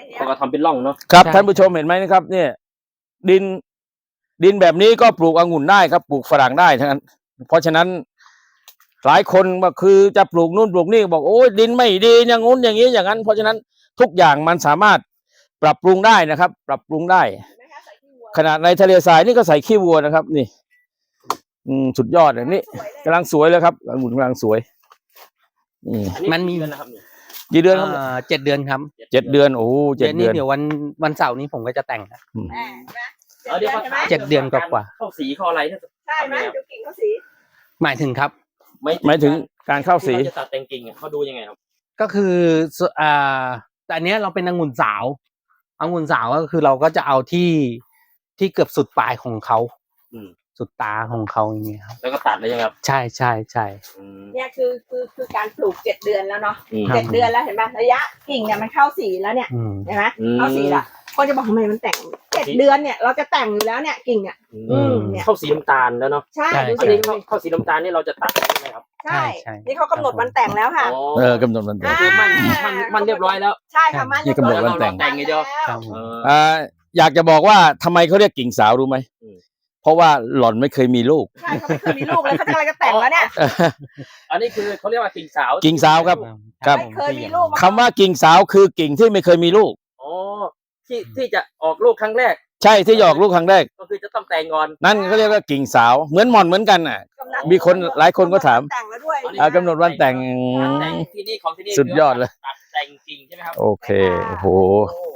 เขาก็ทำเป็นร่องเนาะครับท่านผู้ชมเห็นไหมนะครับ เนี่ย ดินแบบนี้ก็ปลูกองุ่นได้ครับปลูกฝรั่งได้ทั้งนั้นเพราะฉะนั้นหลายคนก็คือจะปลูกนู่นปลูกนี่บอกโอ้ยดินไม่ดีอย่างงู้นอย่างนี้อย่างนั้นเพราะฉะนั้นทุกอย่างมันสามารถปรับปรุงได้นะครับ ปรับปรุงได้ขนาดในทะเลทรายนี่ก็ใส่ขี้วัวนะครับ นี่สุดยอดเลยนี่กำลังสวยเลยครับองุ่นกำลังสวยนี่มันมีนะครับกี่เดือนครับ 7 เดือนครับ 7 เดือนโอ้เจ็ดเดือนเดืนี้อนเดี๋ยววันเสาร์นี้ผมก็จะแต่งครับเดี๋ยว 7 เดือนกว่าเข้าสีเข้าอะไรเนี่ยใช่ไหมดูกิ่งเขาสีหมายถึงครับหมายถึงการเข้าสีที่เราจะตัดแต่งกิ่งอะเขาดูยังไงครับก็คือแต่อันเนี้ยเราเป็นองุ่นสาวก็คือเราก็จะเอาที่เกือบสุดปลายของเขาอืมสุดตาของเขาอย่างเงี้ยครับแล้วก็ตัดเลยยังไงครับใช่ใช่ใช่เนี่ยคือการปลูก7 เดือนแล้วเนาะอืม 7 เดือนแล้วเห็นไหมระยะกิ่งเนี่ยมันเข้าสีแล้วเนี่ยอืมเห็นไหมเข้าสีละคนจะบอกทำไมมันแต่ง7 เดือนเนี่ยเราจะแต่งอยู่แล้วเนี่ยกิ่งเนี่ยเนี่ยเข้าสีน้ำตาลแล้วเนาะใช่ใช่ดูอันสินี้เข้าสีน้ำตาลนี่เราจะตัดใช่ไหมครับใช่นี่เขากำหนดวันแต่งแล้วค่ะกำหนดวันแต่งคือมันเรียบร้อยแล้วใช่ค่ะมันนี่กำหนดวันแต่งแต่งไงเดียวครับอยากจะบอกว่าทำไมเขาเรียกกิ่งสาวรู้ไหมเพราะว่าหล่อนไม่เคยมีลูกใช่เขาไม่เคยมีลูกเลยเขาจะอะไรจะแต่งแล้วเนี่ยอันนี้คือเขาเรียกว่ากิ่งสาวกิ่งสาวครับ ครับไม่เคยมีลูกคำว่ากิ่งสาวคือกิ่งที่ไม่เคยมีลูกอ๋อที่จะออกลูกครั้งแรกใช่ที่หยอกลูกครั้งแรกก็คือจะต้องแต่งก่อนนั่นเขาเรียกว่ากิ่งสาวเหมือนหม่อนเหมือนกันน่ะ มีคนหลายคนก็ถามแต่งแล้วด้วยกำหนดวันแต่งแต่งที่นี่ของที่นี่สุดยอดเลยตัดแต่งกิ่งใช่ไหมครับโอเคโอ้โหโอ้